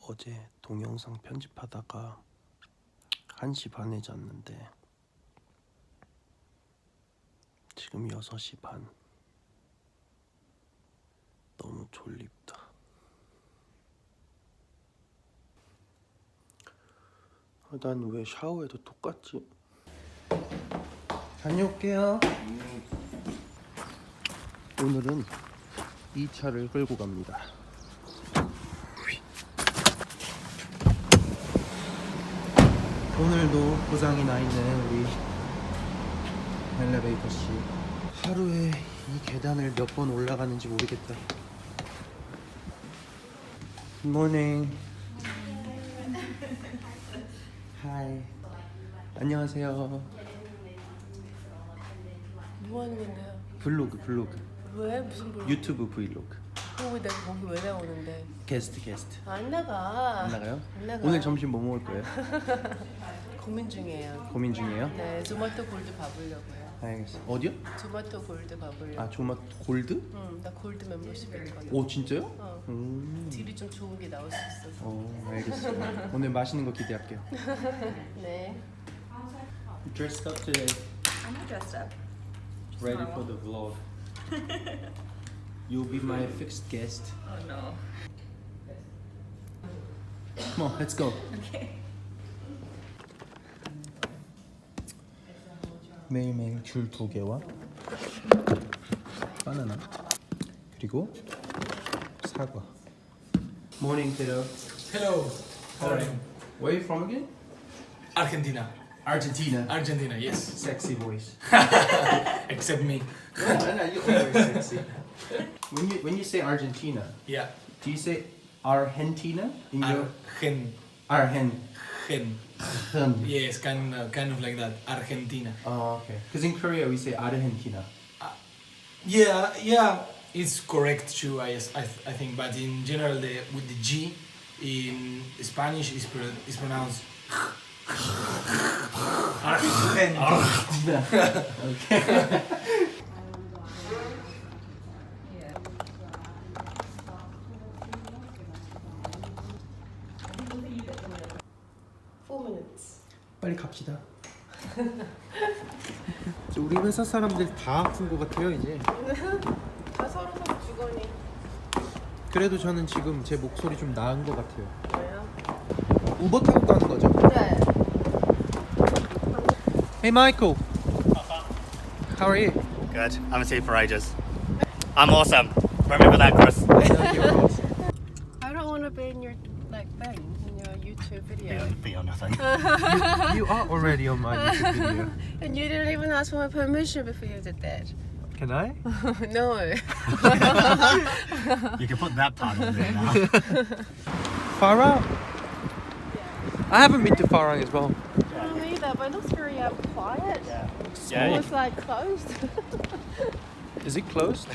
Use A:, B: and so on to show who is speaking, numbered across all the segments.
A: 어제 동영상 편집하다가 1시 반에 잤는데 지금 6시 반. 너무 졸립다. 난 왜 샤워해도 똑같지? 다녀올게요. 오늘은 이 차를 끌고 갑니다. 오늘도 고장이 나 있는 우리 엘리베이터 씨. 하루에 이 계단을 몇 번 올라가는지 모르겠다. 굿모닝. 하이. 안녕하세요.
B: 뭐 하는 건데요?
A: 블로그.
B: 왜? 무슨 블로그?
A: 유튜브 브이로그.
B: 왜 내가 거기 왜 나오는데?
A: 게스트.
B: 안 나가.
A: 안 나가요?
B: 안 나가.
A: 오늘 점심 뭐 먹을 거예요?
B: 고민 중이에요.
A: 고민 중이에요?
B: 네, 조마토 골드 가보려고요.
A: 알겠어. 어디요?
B: 조마토 골드 가보려고.
A: 아, 조마토 골드?
B: 응, 나 골드 멤버십 있거든.
A: 오, 진짜요?
B: 어.
A: 음.
B: 딜이 좀 좋은 게 나올 수 있어서.
A: 알겠어. 오늘 맛있는 거 기대할게요.
B: 네.
A: Dressed up today.
C: I'm not dressed up.
A: Ready for the vlog. You'll be my fixed guest.
C: Oh no.
A: Come on, let's go.
C: Okay.
A: 매일매일 귤 2개와 바나나 그리고 사과. Morning, kiddo.
D: Hello. How are you?
A: Where are you from again?
D: Argentina.
A: Argentina.
D: Argentina, yes.
A: Sexy voice.
D: Except me.
A: No, you always sexy. When you say Argentina,
D: Yeah.
A: do you say Argentina in your
D: Argen.
A: Argen?
D: Yes, kind of like that. Argentina.
A: Oh, okay. Because in Korea we say Argentina.
D: Yeah. It's correct too. I think, but in general, with the G in Spanish is pronounced.
A: Argentina. Okay.
B: 4 minutes.
A: 빨리 갑시다. 우리 회사 사람들 다 아픈 것 같아요 이제.
B: 다 서로 주거니.
A: 그래도 저는 지금 제 목소리 좀 나은 것 같아요.
B: 왜요?
A: 우버 타고 가는 거죠?
B: 네.
A: Hey Michael. How are you?
E: Good. I haven't seen you for ages. I'm awesome. Remember that, Chris?
B: I don't want to be in your thing in your YouTube video.
E: Be on nothing.
A: You are already on my YouTube video.
B: And you didn't even ask for my permission before you did that.
A: Can I?
B: No.
E: You can put that part on there now.
A: Farang? I haven't been to Farang as well.
B: I don't either, but it looks very quiet.
E: Yeah.
B: It's like closed.
A: Is it closed?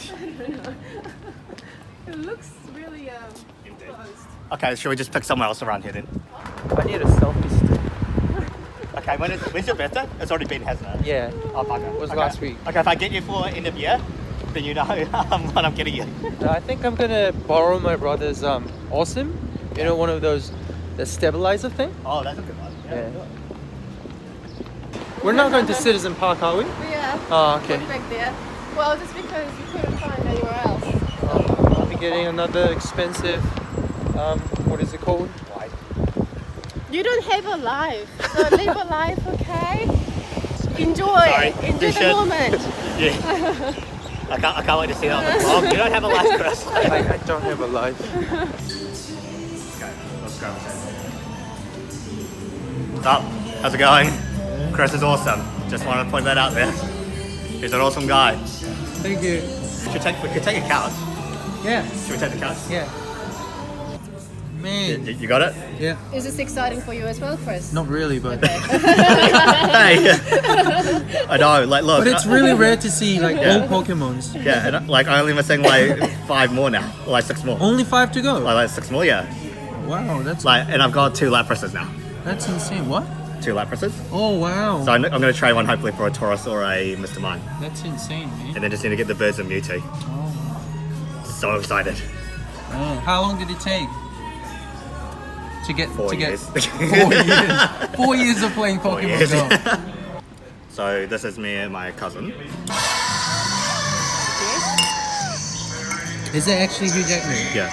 B: It looks really closed.
E: Okay, shall we just pick somewhere else around here then?
A: I need a selfie stick.
E: Okay, when's your birthday? It's already been, hasn't it?
A: Yeah.
E: Oh, bugger.
A: It was
E: Okay.
A: last week.
E: Okay, if I get you for end of year, then you know what I'm getting you.
A: I think I'm gonna borrow my brother's Awesome. You know, one of those, the stabilizer thing.
E: Oh, that's a good one.
A: Yeah. We're not going to Citizen Park, are we?
B: Yeah.
A: Oh, okay.
B: Back there. Well, just because you couldn't find anywhere else.
A: I'll be getting another expensive, what is it called?
B: You don't have a life, so live a life, okay? Enjoy.
E: Sorry,
B: Enjoy
E: you
B: the
E: should.
B: moment.
E: Yeah. I can't wait to see that on the vlog. You don't have a life, Chris.
A: I don't have a life.
E: Let's go. What's up? How's it going? Chris is awesome. Just wanted to point that out there. He's an awesome guy.
A: Thank you.
E: We could take a couch.
A: Yeah.
E: Should we take the couch?
A: Yeah. Man.
E: You got it?
A: Yeah.
B: Is this exciting for you as well, Chris?
A: Not really, but
E: Hey. I know. Like, look.
A: but it's really rare to see like
E: Yeah.
A: all Pokemons.
E: Yeah, and like I only missing like 5 more now, or like 6 more.
A: Only 5 to go.
E: Like 6 more, yeah.
A: Wow, that's
E: And I've got 2 Laprases now.
A: insane. What?
E: 2 Laprases.
A: Oh wow.
E: So I'm going to trade one hopefully for a Taurus or a Mr. Mime,
A: That's insane, man.
E: and then just need to get the birds of Mewtwo.
A: Oh.
E: So excited.
A: How long did it take? to get
E: 4
A: to
E: years.
A: get 4 years. 4 years of playing Pokemon
E: years.
A: Go.
E: So this is me and my cousin.
A: Is it actually Hugh Jackman?
E: Yeah.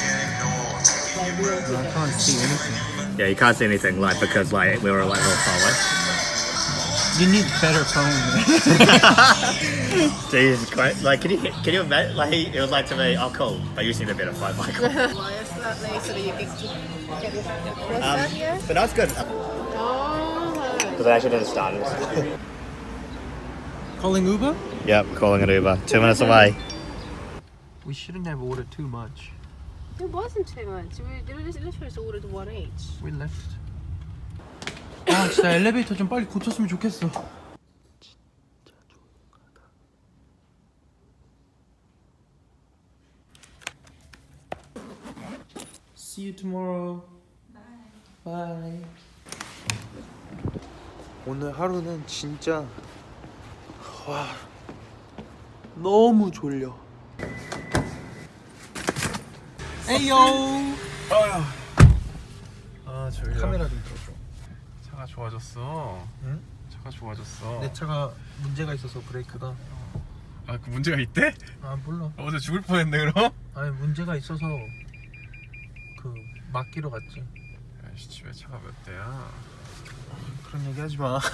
A: I can't see anything.
E: Yeah, you can't see anything like because like we were like real far away.
A: You need better phone, man.
E: Jesus Christ! Like, can you imagine? Like, it was like to me, oh cool, but you just need a better phone, Michael.
B: Wire slightly so that you get it closer, yeah?
E: But that's good
B: Oh.
E: because I actually didn't start it.
A: Calling Uber?
E: Yep, calling it Uber. 2 minutes away.
A: We shouldn't have ordered too much.
B: It wasn't too much. We literally just ordered one each.
A: We left. 아 진짜 엘리베이터 좀 빨리 고쳤으면 좋겠어. See you tomorrow. Bye. 오늘 하루는 진짜 와 너무 졸려. 에이요.
C: 아 졸려.
A: 카메라 좀 들어줘.
C: 차가 좋아졌어.
A: 응?
C: 차가 좋아졌어.
A: 내 차가 문제가 있어서 브레이크가.
C: 아 그 문제가 있대?
A: 아 몰라.
C: 어제 죽을 뻔했네 그럼?
A: 아니 문제가 있어서 그 맡기러 갔지.
C: 야씨 집에 차가 몇 대야?
A: 그런 얘기 하지 마.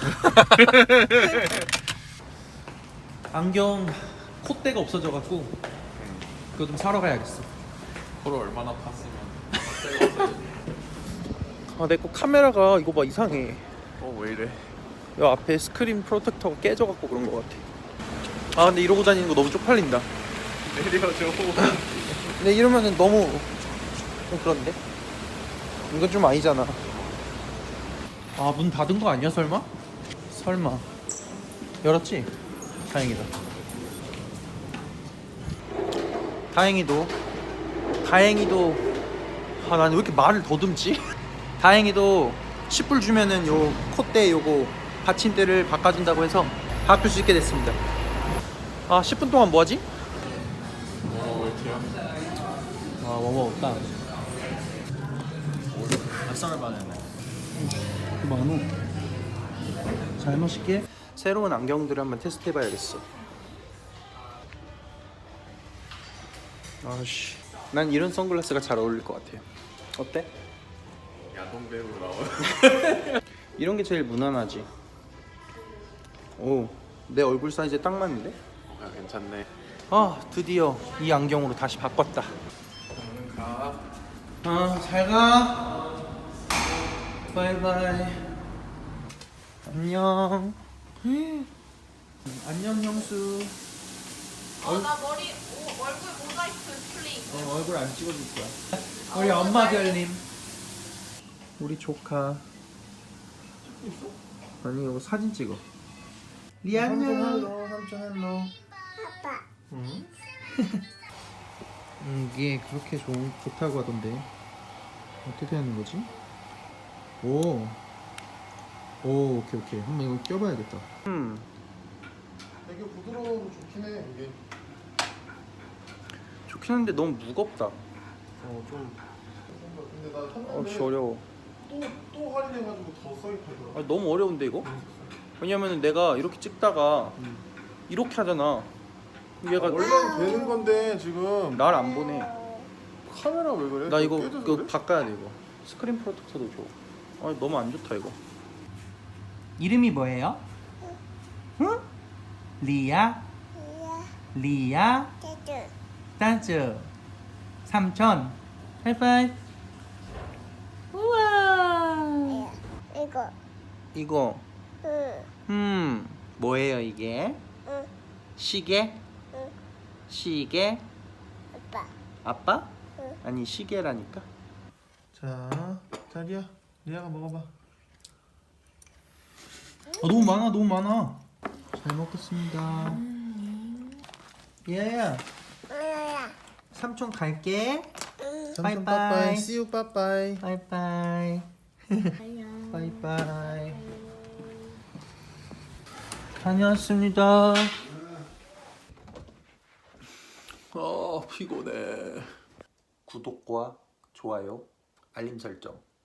A: 안경 콧대가 없어져갖고 그거 좀 사러 가야겠어.
C: 코를 얼마나 팠으면.
A: 아 내 거 카메라가 이거 봐 이상해.
C: 왜 이래?
A: 이 앞에 스크린 프로텍터가 깨져갖고 그런 거 같아. 아 근데 이러고 다니는 거 너무 쪽팔린다.
C: 내려줘.
A: 근데 이러면은 너무 좀 그런데? 이건 좀 아니잖아. 아 문 닫은 거 아니야 설마? 설마 열었지? 다행이다. 다행히도 아 나는 왜 이렇게 말을 더듬지? 다행히도 10불 주면은 요 콧대 요거 받침대를 바꿔준다고 해서 바꿀 수 있게 됐습니다. 아 10분 동안 뭐하지?
C: 왜 이렇게야?
A: 뭐 먹을까?
E: 쌀을 받았네.
A: 만원. 잘 마실게. 새로운 안경들을 한번 테스트해봐야겠어. 아씨, 난 이런 선글라스가 잘 어울릴 것 같아요. 어때?
C: 야동 배우로 나와.
A: 이런 게 제일 무난하지. 오, 내 얼굴 사이즈에 딱 맞는데?
C: 야 괜찮네.
A: 아, 드디어 이 안경으로 다시 바꿨다.
C: 오늘 가.
A: 아, 잘 가. 바이바이. 안녕. 안녕 형수.
B: 나 머리, 얼굴 모자이크 플링.
A: 얼굴 안 찍어줄 거야. 우리 엄마 별님. 우리 조카. 아니 이거 사진 찍어. 리 안녕. 삼촌 헬로. 아빠. 응? 이게 그렇게 좋다고 하던데 어떻게 하는 거지? 오, 오케이. 한번 이거 껴봐야겠다.
F: 되게 부드러워서 좋긴 해 이게.
A: 좋긴 한데 너무 무겁다.
F: 좀. 근데 나 샀는데
A: 씨 어려워.
F: 또 할인해가지고 더 싸게 팔더라.
A: 아, 너무 어려운데 이거? 왜냐면은 내가 이렇게 찍다가 이렇게 하잖아. 얘가
F: 원래 되는 건데 지금
A: 날 안 보내.
F: 카메라 왜 그래?
A: 나 이거
F: 깨져서
A: 그거
F: 그래?
A: 바꿔야 돼 이거. 스크린 프로텍터도 줘. 아 너무 안 좋다 이거. 이름이 뭐예요? 응? 리아. 리아. 따즈. 삼촌. 하이파이브. 우와. 이거. 뭐예요 이게? 시계? 시계? 아빠? 아니 시계라니까.
F: 자, 리아, 리아가 먹어봐.
A: 아 너무 많아. 잘 먹겠습니다. 예. 삼촌 갈게.
F: 삼촌
A: 빠이빠이.
F: 빠빠이, see you 빠빠이.
A: 바이바이. 바이바이. 다녀왔습니다. 피곤해. 구독과 좋아요, 알림 설정